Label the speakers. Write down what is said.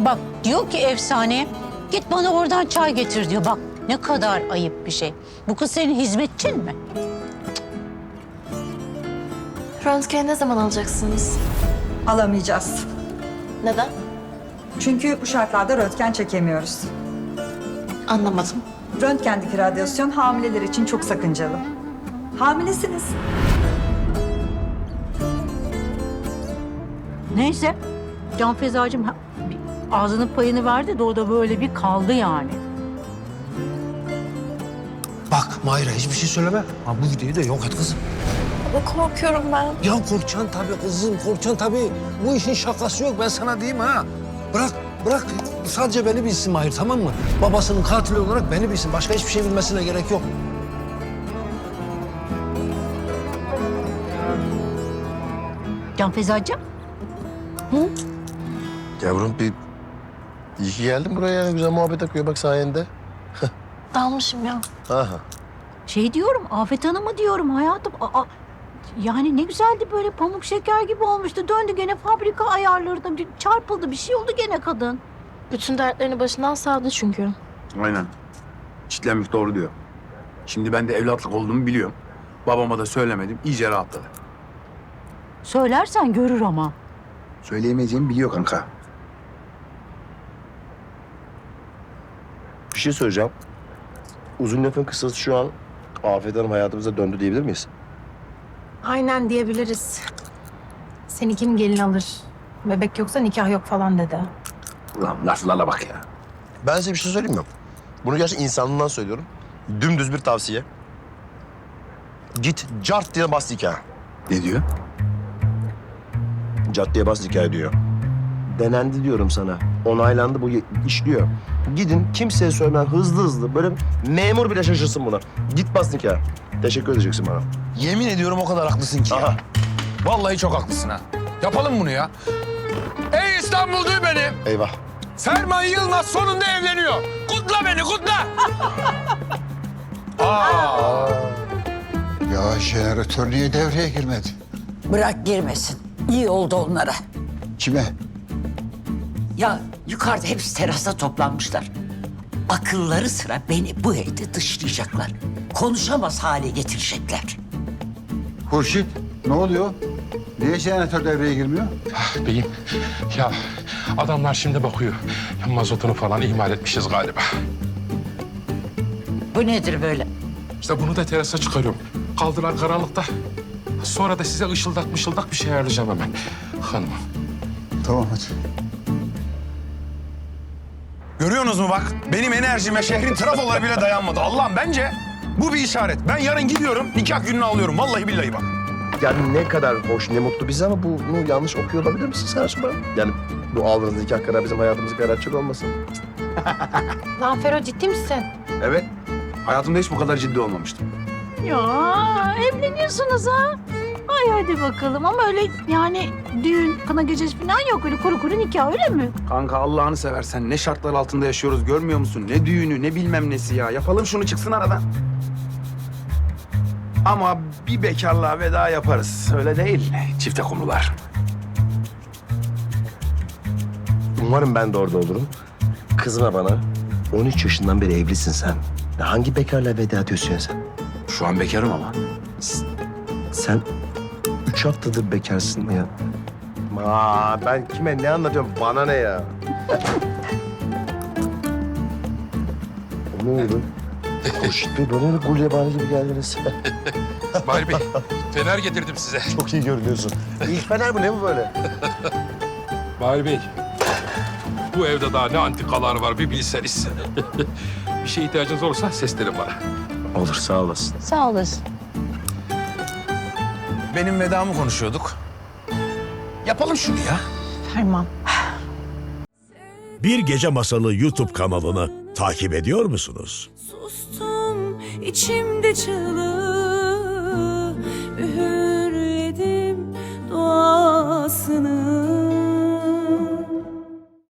Speaker 1: Bak diyor ki efsane, git bana oradan çay getir diyor. Bak ne kadar ayıp bir şey. Bu kız senin hizmetçin mi?
Speaker 2: Röntgeni ne zaman alacaksınız?
Speaker 3: Alamayacağız.
Speaker 2: Neden?
Speaker 3: Çünkü bu şartlarda röntgen çekemiyoruz.
Speaker 2: Anlamadım.
Speaker 3: Röntgendeki radyasyon hamileler için çok sakıncalı. Hamilesiniz.
Speaker 1: Neyse, Can Fezacığım ağzının payını verdi de o da böyle bir kaldı yani.
Speaker 4: Bak Mahir'e hiçbir şey söyleme. Ha, bu videoyu da yok et kızım.
Speaker 2: Baba korkuyorum ben.
Speaker 4: Ya korkacaksın tabii kızım, korkacaksın tabii. Bu işin şakası yok, ben sana diyeyim ha. Bırak. Sadece beni bilsin Mahir, tamam mı? Babasının katili olarak beni bilsin. Başka hiçbir şey bilmesine gerek yok.
Speaker 1: Can Fezacığım,
Speaker 5: Yavrum iyi ki geldin buraya. Yani güzel muhabbet akıyor bak sayende.
Speaker 2: Dalmışım ya.
Speaker 5: Aha.
Speaker 1: şey diyorum, Afet Hanım'ı diyorum hayatım. Yani ne güzeldi, böyle pamuk şeker gibi olmuştu. Döndü gene fabrika ayarlarına, bir çarpıldı, bir şey oldu gene kadın.
Speaker 2: Bütün dertlerini başından savdı çünkü.
Speaker 6: Aynen. Çitlenmek doğru diyor. Şimdi ben de evlatlık olduğumu biliyorum. Babama da söylemedim. İyice rahatladı.
Speaker 1: Söylersen görür ama.
Speaker 6: Söyleyemeyeceğimi biliyor kanka.
Speaker 5: Bir şey söyleyeceğim. Uzun lafın kısası şu an Afet Hanım hayatımıza döndü diyebilir miyiz?
Speaker 7: Aynen diyebiliriz. Seni kim gelin alır? Bebek yoksa nikah yok falan dedi.
Speaker 6: Ulan laflara bak ya.
Speaker 5: Ben size bir şey söyleyeyim mi? Bunu gerçekten insanlığından söylüyorum. Dümdüz bir tavsiye. Git cart diye bas nikah.
Speaker 6: Ne diyor?
Speaker 5: Cart diye bas nikah diyor. Denendi diyorum sana. Onaylandı, bu işliyor. Gidin kimseye söylemeden hızlı böyle memur bile şaşırsın buna. Git bas nikah. Teşekkür edeceksin bana.
Speaker 4: Yemin ediyorum o kadar haklısın ki ya.
Speaker 5: Aha.
Speaker 4: Vallahi çok haklısın ha. Yapalım bunu ya. Ey İstanbul duy beni.
Speaker 5: Eyvah.
Speaker 4: Ferman Yılmaz sonunda evleniyor. Kutla beni, kutla.
Speaker 8: Ya jeneratör niye devreye girmedi?
Speaker 9: Bırak girmesin. İyi oldu onlara.
Speaker 8: Kime?
Speaker 9: Ya yukarıda hepsi terasta toplanmışlar. Akılları sıra beni bu evde dışlayacaklar. Konuşamaz hale getirecekler.
Speaker 8: Hurşit, ne oluyor? Niye jeneratör devreye girmiyor?
Speaker 10: Beyim, ya adamlar şimdi bakıyor. Ya mazotunu falan ihmal etmişiz galiba.
Speaker 9: Bu nedir böyle?
Speaker 10: İşte bunu da terasa çıkarıyorum. Kaldılar karanlıkta. Sonra da size ışıldak bir şey ayarlayacağım hemen. Hanımım.
Speaker 8: Tamam hadi.
Speaker 4: Görüyorsunuz mu bak? Benim enerjime şehrin trafoları bile dayanmadı. Allah'ım bence bu bir işaret. Ben yarın gidiyorum, nikah gününü alıyorum. Vallahi billahi bak.
Speaker 5: Yani ne kadar hoş, ne mutlu bize ama bunu yanlış okuyor olabilir misin sen acaba? Yani bu aldığınız nikah kararı bizim hayatımızı karartacak olmasın?
Speaker 7: Lan Fero ciddi misin?
Speaker 6: Evet. Hayatımda hiç bu kadar ciddi olmamıştım.
Speaker 1: Ya evleniyorsunuz ha. Ay hadi bakalım, ama öyle yani düğün, kına gecesi falan yok, öyle kuru kuru nikah, öyle mi?
Speaker 6: Kanka Allah'ını seversen ne şartlar altında yaşıyoruz görmüyor musun? Ne düğünü ne bilmem nesi ya. Yapalım şunu çıksın aradan. Ama bir bekarlığa veda yaparız. Öyle değil. Çifte konular.
Speaker 5: Umarım ben de orada olurum. Kızma bana. 13 yaşından beri evlisin sen. Ya hangi bekarla veda ediyorsun sen?
Speaker 6: Şu an bekarım ama.
Speaker 5: Sen 3 haftadır bekarsın ya. Ben kime ne anlatıyorum? Bana ne ya? Ne oldu? Hoşit Bey bana öyle gulyabani gibi geldiniz.
Speaker 10: Mahir Bey, fener getirdim size.
Speaker 5: Çok iyi görünüyorsun. İlk fener bu ne bu böyle?
Speaker 10: Mahir Bey, bu evde daha ne antikalar var bir bilseniz. Bir şeye ihtiyacınız olursa seslenin bana.
Speaker 5: Olur sağ olasın.
Speaker 1: Sağ olasın.
Speaker 4: Benim vedamı konuşuyorduk. Yapalım şunu ya.
Speaker 7: Ferman.
Speaker 11: Bir Gece Masalı YouTube kanalını takip ediyor musunuz?
Speaker 12: Sustum içimde çığlığı, üğürledim duasını.